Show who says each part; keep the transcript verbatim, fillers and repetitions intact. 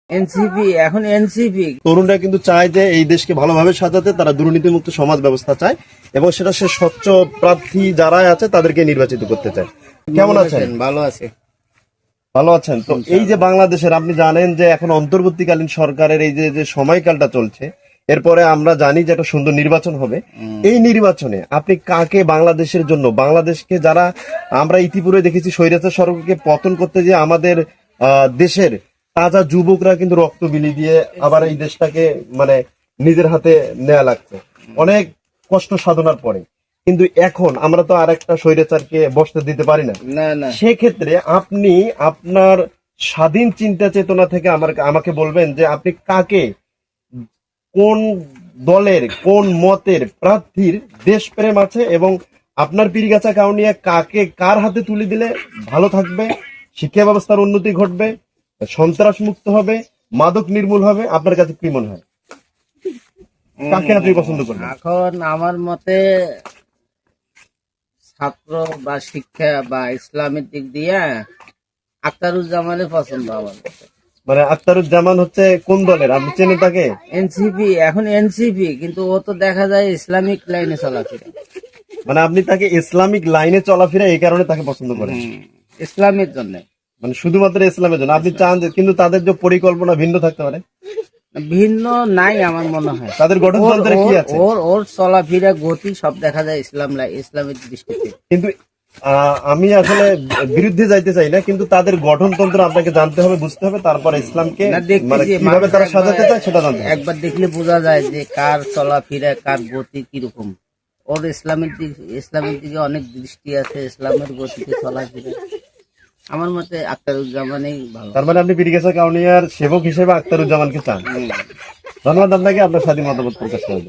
Speaker 1: NCP এখন NCP
Speaker 2: তরুণরা কিন্তু চায় যে এই দেশকে ভালোভাবে সাজাতে, তারা দুর্নীতিমুক্ত সমাজ ব্যবস্থা চায় এবং সেটা সে স্বচ্ছ প্রার্থী যারা আছে তাদেরকে নির্বাচিত করতে চায়। কেমন আছেন?
Speaker 1: ভালো আছে।
Speaker 2: ভালো আছেন তো? এই যে বাংলাদেশের, আপনি জানেন যে এখন অন্তর্বর্তীকালীন সরকারের এই যে যে সময়কালটা চলছে, এরপরে আমরা জানি যে একটা সুন্দর নির্বাচন হবে। এই নির্বাচনে আপনি কাকে বাংলাদেশের জন্য, বাংলাদেশকে যারা আমরা ইতিপূর্বে দেখেছি স্বৈরাচার সরকারকে পতন করতে যে আমাদের আহ দেশের তাজা যুবকরা কিন্তু রক্ত বিলি দিয়ে আবার এই দেশটাকে মানে নিজের হাতে নেওয়া লাগছে অনেক কষ্ট সাধনার পরে, কিন্তু এখন আমরা তো আর একটা স্বৈরাচারকে বসতে দিতে পারি না।
Speaker 1: না না
Speaker 2: সেক্ষেত্রে আপনি আপনার স্বাধীন চিন্তা চেতনা থেকে আমার আমাকে বলবেন যে আপনি কাকে, কোন দলের, কোন মতের প্রার্থীর দেশপ্রেম আছে এবং আপনার পীরগাছা কাউনিয়া কাকে কার হাতে তুলে দিলে ভালো থাকবে, শিক্ষা ব্যবস্থার উন্নতি ঘটবে, সন্ত্রাস মুক্ত হবে, মাদক নির্মূল হবে, আপনার কাছে কি মনে হয় কাকে আপনি পছন্দ করবেন?
Speaker 1: এখন আমার মতে ছাত্র বা শিক্ষা বা ইসলামের দিক দিয়ে আখতারুজ্জামানের পছন্দ আমার কাছে।
Speaker 2: মানে আখতারুজ্জামান হচ্ছে কোন দলের, আপনি চেনেন তাকে?
Speaker 1: এনসিপি এখন এনসিপি, কিন্তু ও তো দেখা যায় ইসলামিক লাইনে চলাফেরা।
Speaker 2: মানে আপনি তাকে ইসলামিক লাইনে চলাফেরা এই কারণে তাকে পছন্দ করেন,
Speaker 1: ইসলামের জন্য,
Speaker 2: মানে শুধুমাত্র ইসলামের জন্য আপনি চান যে, কিন্তু তাদের যে পরিকল্পনা ভিন্ন থাকতে পারে।
Speaker 1: ভিন্ন নাই আমার মনে হয়।
Speaker 2: তাদের গঠনতন্ত্রে
Speaker 1: ওর-
Speaker 2: কি
Speaker 1: ওর-
Speaker 2: আছে?
Speaker 1: ওর ওর চলাফেরা গতি সব দেখা যায় ইসলাম লাই- ইসলামের দৃষ্টিতে।
Speaker 2: কিন্তু আহ, আমি আসলে বিরুদ্ধে যাইতে চাই না, কিন্তু তাদের গঠনতন্ত্র আপনাকে জানতে হবে, বুঝতে হবে, তারপর ইসলামকে
Speaker 1: না, দেখতেছি,
Speaker 2: মানে কিভাবে
Speaker 1: মানুষ
Speaker 2: তারা
Speaker 1: একবার-
Speaker 2: সাজাতে চায় সেটা জানতে হবে।
Speaker 1: একবার দেখলে বোঝা যায় যে কার চলাফেরা, কার গতি কিরকম। ওর ইসলামের দিক ইসলামের দিকে অনেক দৃষ্টি আছে, ইসলামের গতিতে চলাফেরা। আমার মতে আখতারুজ্জামানই ভালো।
Speaker 2: তার মানে আপনি পীরগাছা কাউনিয়ার সেবক হিসেবে আখতারুজ্জামানকে চান। ধন্যবাদ আপনাকে, আপনার স্বাধীন মতামত প্রকাশ করার জন্য।